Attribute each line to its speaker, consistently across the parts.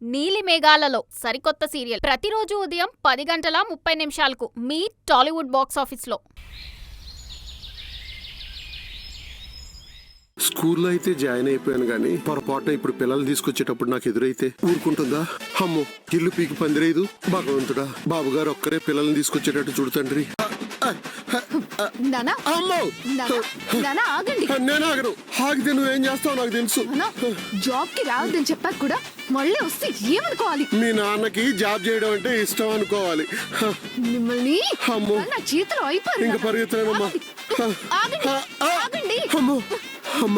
Speaker 1: నీలి మేఘాలలో సరికొత్త సీరియల్ ప్రతిరోజు ఉదయం 10:30 మీ టాలీవుడ్ బాక్స్ ఆఫీస్లో.
Speaker 2: స్కూల్లో అయితే జాయిన్ అయిపోయాను గానీ పొరపాటున ఇప్పుడు పిల్లలు తీసుకొచ్చేటప్పుడు నాకు ఎదురైతే ఊరుకుంటుందా? అమ్మో, ఇల్లు పీకి పందిరేదు. భగవంతుడా, బాబుగారు ఒక్కరే పిల్లల్ని తీసుకొచ్చేటట్టు చూడుతండ్రి. నేను ఆగను. ఆగితే నువ్వేం చేస్తావు నాకు తెలుసు.
Speaker 3: జాబ్ కి రావద్దని చెప్పాక కూడా మళ్ళీ వస్తే ఏమనుకోవాలి?
Speaker 2: మీ నాన్నకి జాబ్ చేయడం అంటే ఇష్టం అనుకోవాలి.
Speaker 3: మిమ్మల్ని
Speaker 2: అమ్మో,
Speaker 3: నా చేతిలో అయిపోయారు.
Speaker 2: ఇంకా పరిగెత్తలేనమ్మా.
Speaker 3: ఆగండి.
Speaker 2: అమ్మో అమ్మా,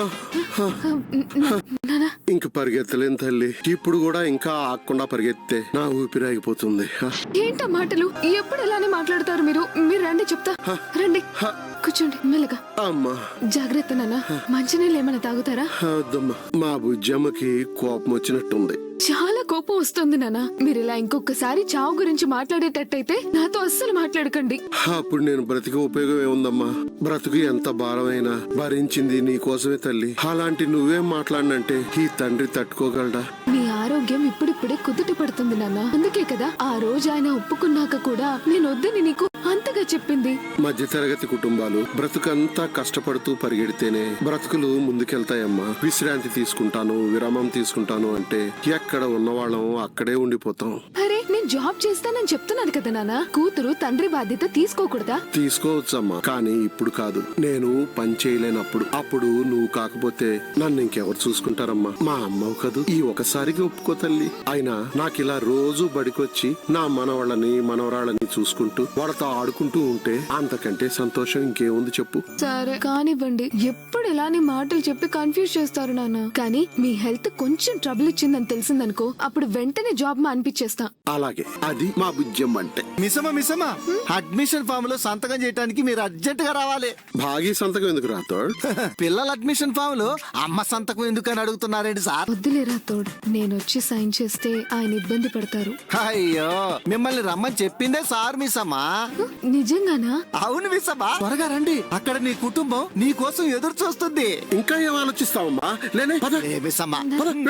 Speaker 2: ఇంక పరిగెత్తలేను తల్లి. ఇప్పుడు కూడా ఇంకా ఆగకుండా పరిగెత్తే నా ఊపిరి ఆగిపోతుంది.
Speaker 3: ఏంటా మాటలు? ఎప్పుడు ఇలానే మాట్లాడతారు మీరు? మీరు రండి, చెప్తా. రండి, కూర్చోండి మెల్లగా.
Speaker 2: అమ్మా
Speaker 3: జాగ్రత్త నాన్న. మంచినీళ్ళు ఏమైనా తాగుతారా?
Speaker 2: వద్దమ్మా, మా బుజ్జమ్మకి కోపం వచ్చినట్టుంది.
Speaker 3: చాలా కోపం వస్తుంది నాన్న. మీరు ఇలా ఇంకొకసారి చావు గురించి మాట్లాడేటట్టయితే నాతో అస్సలు మాట్లాడకండి.
Speaker 2: అప్పుడు నేను బ్రతికి ఉపయోగం ఏముందమ్మా? బ్రతుకు ఎంత భారమైనా భరించింది నీ కోసమే తల్లి. అలాంటి నువ్వేం మాట్లాడినంటే ఈ తండ్రి తట్టుకోగలడా?
Speaker 3: మీ ఆరోగ్యం ఇప్పుడిప్పుడే కుదుట పడుతుంది నాన్న. అందుకే కదా ఆ రోజు ఆయన ఒప్పుకున్నాక కూడా నేను వద్దని నీకు అంతగా చెప్పింది.
Speaker 2: మధ్యతరగతి కుటుంబాలు బ్రతుకంతా కష్టపడుతూ పరిగెడితేనే బ్రతుకులు ముందుకెళ్తాయమ్మా. విశ్రాంతి తీసుకుంటాను, విరామం తీసుకుంటాను అంటే ఎక్కడ ఉన్నవాళ్ళం అక్కడే ఉండిపోతాం.
Speaker 3: అరే, నేను జాబ్ చేస్తానని చెప్తున్నాను కదా నాన్న. కూతురు తండ్రి బాధ్యత తీసుకోకూడదా?
Speaker 2: తీసుకోవచ్చమ్మా, కానీ ఇప్పుడు కాదు. నేను పని చేయలేనప్పుడు. అప్పుడు నువ్వు కాకపోతే నన్ను ఇంకెవరు చూసుకుంటారమ్మా? మా అమ్మవు కదూ. ఈ ఒకసారికి ఒప్పుకో తల్లి. అయినా నాకు ఇలా రోజు బడికొచ్చి నా మనవాళ్ళని మనవరాళ్ళని చూసుకుంటూ వాళ్ళతో ఆడుకుంటూ ఉంటే అంతకంటే సంతోషం ఇంకేముంది చెప్పు?
Speaker 3: సరే కానివ్వండి. ఎప్పుడు ఇలానే మాటలు చెప్పి కన్ఫ్యూజ్ చేస్తారు నాన్న. కానీ మీ హెల్త్ కొంచెం ట్రబుల్ ఇచ్చిందని తెలిసిందనుకో, అప్పుడు వెంటనే జాబ్ అనిపించేస్తా.
Speaker 2: అలాగే, అది మా బుజ్జం అంటే.
Speaker 4: మిసమా అడ్మిషన్ ఫామ్ లో సంతకం చేయడానికి మీరు అర్జెంట్ గా రావాలి.
Speaker 2: భాగి సంతకం ఎందుకు రాతాడు?
Speaker 4: పిల్లల అడ్మిషన్ ఫామ్ లో అమ్మ సంతకం ఎందుకు అని అడుగుతున్నారేంటి సార్?
Speaker 3: వద్దులేరా తోడు, నేను వచ్చి సైన్ చేస్తే ఆయన ఇబ్బంది పడతారు.
Speaker 4: అయ్యో, మిమ్మల్ని రమ్మని చెప్పిందే సార్ మిసమ్మా.
Speaker 3: నిజంగానా?
Speaker 4: అవును మిసమ్మా, త్వరగా రండి. అక్కడ నీ కుటుంబం నీ కోసం ఎదురు చూస్తుంది.
Speaker 2: ఇంకా ఏం ఆలోచిస్తావమ్మా? లేనే పద.
Speaker 4: మిసమ్మా,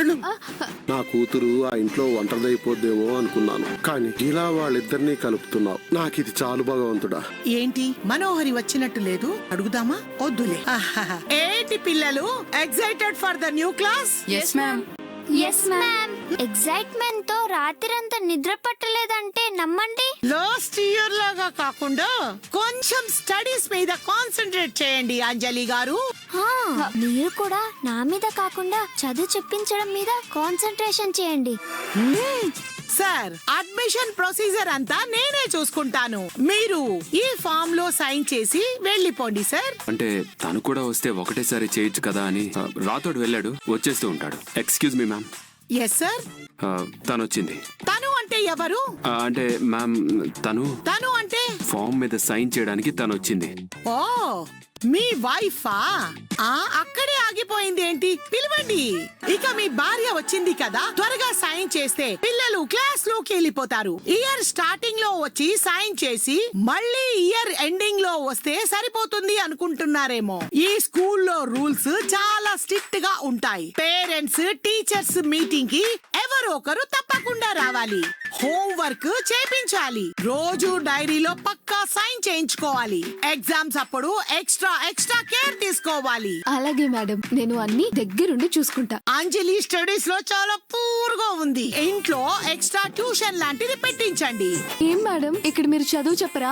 Speaker 2: నా కూతురు ఆ ఇంట్లో ఒంటరిదైపోద్దేమో అనుకున్నాను, కానీ ఇలా వాళ్ళిద్దరినీ కలుపుతున్నావు. నాకు ఇది చాలు భగవంతుడా.
Speaker 5: ఏంటి మనోహరి వచ్చినట్టు లేదు? అడుగుదామా? వద్దులే. ఏంటి పిల్లలు, excited for the new class?
Speaker 6: yes ma'am. Excitement తో రాత్రంతా నిద్ర పట్టలేదంటే నమ్మండి.
Speaker 5: లాస్ట్ ఇయర్ లాగా కాకుండా కొంచెం స్టడీస్ మీద కాన్సంట్రేట్ చేయండి అంజలి గారు.
Speaker 6: మీరు కూడా నా మీద కాకుండా చదువు చెప్పించడం మీద కాన్సంట్రేషన్ చేయండి.
Speaker 5: సార్, అడ్మిషన్ ప్రొసీజర్ అంతా నేనే చూసుకుంటాను. మీరు ఈ ఫామ్ లో సైన్ చేసి వెళ్ళిపోండి సార్.
Speaker 7: అంటే తను కూడా వస్తే ఒకటేసారి చేయొచ్చు కదా అని రాతోడు వెళ్ళాడు, వచ్చేస్తూ ఉంటాడు. Excuse me ma'am.
Speaker 5: Yes sir.
Speaker 7: తను వచ్చింది.
Speaker 5: తను అంటే ఎవరు?
Speaker 7: అంటే మ్యామ్,
Speaker 5: తను అంటే
Speaker 7: ఫామ్ మీద సైన్ చేయడానికి తను వచ్చింది.
Speaker 5: ఓ, మీ వైఫా? అక్కడే ఆగిపోయింది ఏంటి? పిలవండి. ఇక మీ భార్య వచ్చింది కదా, త్వరగా సైన్ చేస్తే పిల్లలు క్లాస్ లోకి వెళ్ళిపోతారు. ఇయర్ స్టార్టింగ్ లో వచ్చి సైన్ చేసి మళ్ళీ ఇయర్ ఎండింగ్ లో వస్తే సరిపోతుంది అనుకుంటున్నారేమో. ఈ స్కూల్లో రూల్స్ చాలా స్ట్రిక్ట్ గా ఉంటాయి. పేరెంట్స్ టీచర్స్ మీటింగ్ కి ఎవరో ఒకరు తప్పకుండా రావాలి. హోంవర్క్ చేపించాలి. రోజు డైరీలో పక్కా సైన్ చేయించుకోవాలి. ఎగ్జామ్స్ అప్పుడు ఎక్స్ట్రా కేర్ తీసుకోవాలి.
Speaker 3: అలాగే మేడం, నేను అన్ని దగ్గరుండి చూసుకుంటా.
Speaker 5: అంజలి స్టడీస్ లో చాలా పూర్గా ఉంది. ఇంట్లో ఎక్స్ట్రా ట్యూషన్ లాంటిది పెట్టించండి.
Speaker 3: ఏం మేడం, ఇక్కడ మీరు చదువు చెప్పరా?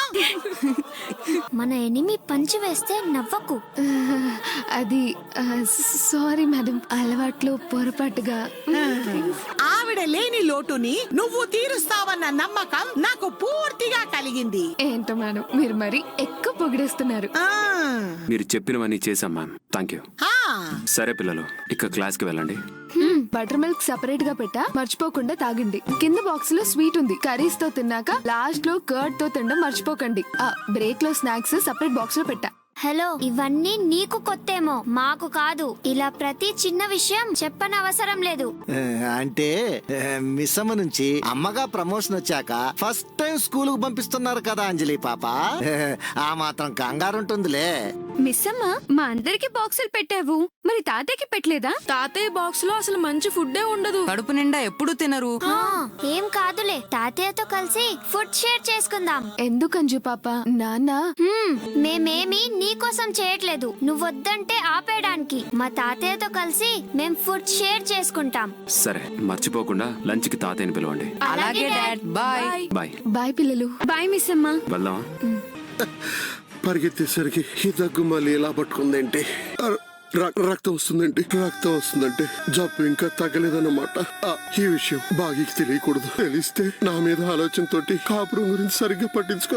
Speaker 6: మన ఎనిమి పంచి వేస్తే నవ్వకు.
Speaker 3: అది సారీ మేడం, అలవాట్లో పొరపాటుగా.
Speaker 5: ఆవిడ లేని లోటుని నువ్వు తీరుస్తావన్న నమ్మకం నాకు పూర్తిగా కలిగింది.
Speaker 3: ఏంటో మేడం, మీరు మరి ఎక్కువ పొగిడేస్తున్నారు.
Speaker 7: మీరు చెప్పినవన్నీ చేశాం మ్యామ్. Thank you. సరే పిల్లలు, ఇక క్లాస్ కి వెళ్ళండి.
Speaker 3: బటర్ మిల్క్ సెపరేట్ గా పెట్టా, మర్చిపోకుండా తాగండి. కింద బాక్స్ లో స్వీట్ ఉంది, కర్రీస్ తో తిన్నాక లాస్ట్ లో కర్డ్ తో తినడం మర్చిపోకండి. బ్రేక్ లో స్నాక్స్ సెపరేట్ బాక్స్ లో పెట్టా.
Speaker 6: హలో, ఇవన్నీ నీకు కొత్తేమో, మాకు కాదు. ఇలా ప్రతి చిన్న విషయం చెప్పనవసరం లేదు.
Speaker 4: అంటే మిస్సమ్మ నుంచి అమ్మగా ప్రమోషన్ వచ్చాక ఫస్ట్ టైం స్కూల్ కు పంపిస్తున్నారు కదా అంజలి పాప. ఆ మాత్రం కంగారు ఉంటుందిలే.
Speaker 8: మిస్ అమ్మ మా అందరికి బాక్సులు పెట్టావు, మరి తాతయ్యకి పెట్టలేదా?
Speaker 9: తాతయ్య బాక్స్ లో అసలు మంచి ఫుడ్డే ఉండదు.
Speaker 10: కడుపు నిండా ఎప్పుడు తినరు.
Speaker 6: ఏం కాదులే, తాతయ్యతో కలిసి ఫుడ్ షేర్ చేసుకుందాం.
Speaker 3: ఎందుకు అంజు పాప? నాన్న
Speaker 6: మేమేమి నీకోసం చేయట్లేదు, నువ్వొద్దంటే ఆపేయడానికి. మా తాతయ్యతో కలిసి మేం ఫుడ్ షేర్ చేసుకుంటాం.
Speaker 7: సరే, మర్చిపోకుండా లంచ్ కి తాతయ్యని పిలవండి.
Speaker 10: అలాగే డాడ్, బాయ్.
Speaker 7: బాయ్.
Speaker 3: బాయ్ పిల్లలు.
Speaker 8: బాయ్ మిస్ అమ్మ.
Speaker 7: వెళ్దామా?
Speaker 2: పరిగెత్తేసరికి ఈ దగ్గు మళ్ళీ ఇలా పట్టుకుందేంటి? రక్తం వస్తుందంటే జబ్బు ఇంకా తగ్గలేదన్నమాట. ఈ విషయం బాగీకి తెలియకూడదు. తెలిస్తే నా మీద ఆలోచనతోటి కాపురం గురించి సరిగ్గా పట్టించుకో.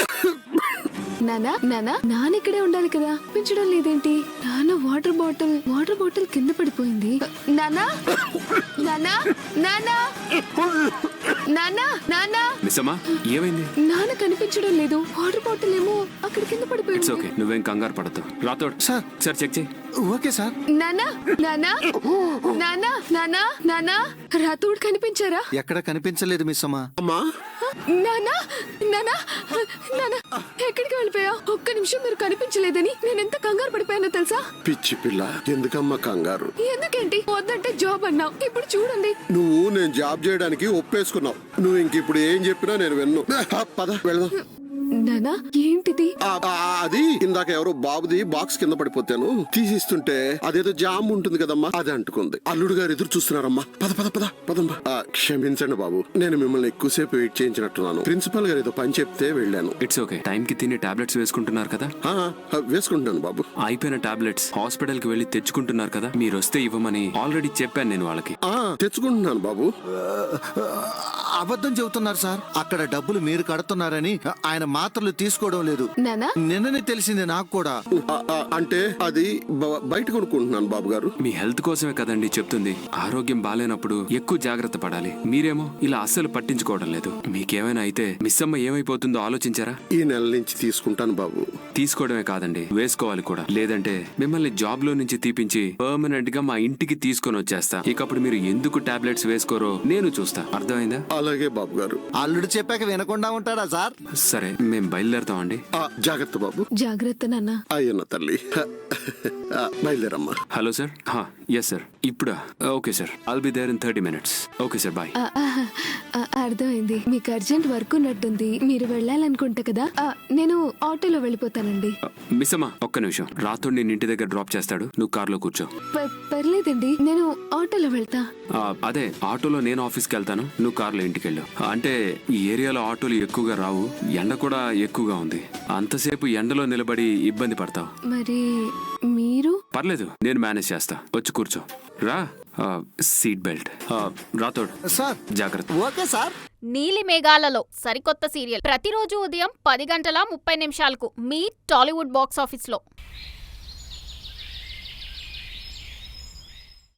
Speaker 3: నాన్న ఇక్కడే ఉండాలి కదా, పెంచడం లేదేంటి? నాన్న వాటర్ బాటిల్ కింద పడిపోయింది. నానా
Speaker 7: మిస్సమ్మా, ఏమైంది?
Speaker 3: నాన్న కనిపించడం లేదు. వాటర్ బాటిల్ ఏమో అక్కడ కింద
Speaker 7: ఇట్స్
Speaker 3: పడిపోయింది.
Speaker 7: ఓకే, నువ్వేం కంగారు పడద్దు. రాతోడ్
Speaker 4: సార్.
Speaker 7: సార్ చెక్ చేయి.
Speaker 4: Okay sir.
Speaker 3: నానా రాతోడు కనిపించారా?
Speaker 4: ఎక్కడ కనిపించలేదు మిస్ అమ్మా.
Speaker 2: అమ్మా,
Speaker 3: నానా ఎక్కడికి వెళ్ళిపోయా? ఒక్క నిమిషం మీరు కనిపించలేదని నేను ఎంత కంగారు పడిపోయానో తెలుసా?
Speaker 2: పిచ్చి పిల్ల, ఎందుకమ్మా కంగారు?
Speaker 3: ఎందుకేంటి? వద్దంటే జాబ్ అన్నావు, ఇప్పుడు చూడండి.
Speaker 2: నువ్వు నేను జాబ్ చేయడానికి ఒప్పేసుకున్నావు. నువ్వు ఇంక ఇప్పుడు ఏం చెప్పినా నేను విన్ను. పద వెళ్దాం.
Speaker 3: నానా ఏంటిది?
Speaker 2: అది ఇందాక ఎవరో బాబుది బాక్స్ కింద పడిపోతాను తీసిస్తుంటే అదేదో జామ్ ఉంటుంది కదమ్మా, అది అంటుకుంది. అల్లుడు గారు ఎదురు చూస్తున్నారమ్మా. పదమ్మా. క్షమించండి బాబు, నేను మిమ్మల్ని ఎక్కువసేపు వెయిట్ చేయించినట్టున్నాను. ప్రిన్సిపల్ గారు ఏదో పని చెప్తే వెళ్ళాను.
Speaker 7: It's okay. టైం కి తిని టాబ్లెట్స్ వేసుకుంటున్నారు కదా?
Speaker 2: వేసుకుంటాను బాబు.
Speaker 7: అయిపోయిన టాబ్లెట్స్ హాస్పిటల్ కి వెళ్లి తెచ్చుకుంటున్నారు కదా? మీరు వస్తే ఇవ్వమని ఆల్రెడీ చెప్పాను నేను వాళ్ళకి.
Speaker 2: తెచ్చుకుంటున్నాను బాబు.
Speaker 4: అబద్ధం చెబుతున్నారు సార్. అక్కడ డబ్బులు మీరు కడుతున్నారని ఆయన మాత్రలు తీసుకోవడం లేదు.
Speaker 3: నానా
Speaker 4: నిన్ననే తెలిసింది నాకు కూడా.
Speaker 2: అంటే అది బయట కొనుక్కుంటున్నాను బాబు గారు.
Speaker 7: మీ హెల్త్ కోసమే కదండి చెప్తుంది. ఆరోగ్యం బాలేనప్పుడు ఎక్కువ జాగ్రత్త పడాలి. మీరేమో ఇలా అస్సలు పట్టించుకోవడం లేదు. మీకేమైనా అయితే మిస్ అమ్మ ఏమైపోతుందో ఆలోచించారా?
Speaker 2: ఈ నెల నుంచి తీసుకుంటాను బాబు.
Speaker 7: తీసుకోవడమే కాదండి, వేసుకోవాలి కూడా. లేదంటే మిమ్మల్ని జాబ్ లో నుంచి తీపించి పర్మనెంట్ గా మా ఇంటికి తీసుకొని వచ్చేస్తా. ఇకప్పుడు మీరు ఎందుకు టాబ్లెట్స్ వేసుకోరో నేను చూస్తా. అర్థమైందా?
Speaker 2: అలాగే బాబు గారు.
Speaker 4: అల్లుడు చెప్పాక వినకుండా ఉంటాడా సార్?
Speaker 7: సరే, మేం బయలుదేరుతామండి.
Speaker 2: జాగ్రత్త బాబు.
Speaker 3: జాగ్రత్త నాన్న.
Speaker 2: అయ్యన్న తల్లి. బయలుదేరమ్మా.
Speaker 7: Hello sir. Yes sir. ఇప్పుడా? Okay sir, I'll be there in 30 minutes. Okay sir, bye.
Speaker 3: అర్థమైంది. మీకు అర్జెంట్ వర్క్ ఉన్నట్టుంది, మీరు వెళ్ళాలనుకుంటా కదా. నేను ఆటోలో వెళ్ళిపోతానండి.
Speaker 7: మిస్ అమ్మా, ఒక్క నిమిషం. రాత్రి నేను ఇంటి దగ్గర డ్రాప్ చేస్తాడు, నువ్వు కార్లో కూర్చో.
Speaker 3: పర్లేదండి, నేను ఆటోలో వెళ్తా.
Speaker 7: అదే ఆటోలో నేను ఆఫీస్కి వెళ్తాను, నువ్వు కార్లో ఇంటికి వెళ్ళు. అంటే ఈ ఏరియాలో ఆటోలు ఎక్కువగా రావు, ఎండ కూడా ఎక్కువగా ఉంది. అంతసేపు ఎండలో నిలబడి ఇబ్బంది పడతావు.
Speaker 3: మరి మీరు?
Speaker 7: పర్లేదు, నేను మేనేజ్ చేస్తా. వచ్చి కూర్చో. రా. Seat belt. రాతోడ్
Speaker 4: సార్.
Speaker 7: జాగ్రత్త.
Speaker 4: Okay sir.
Speaker 1: నీలి మేఘాలలో సరికొత్త సీరియల్ ప్రతిరోజు ఉదయం 10 గంటల 30 నిమిషాలకు మీ టాలీవుడ్ బాక్స్ ఆఫీస్లో.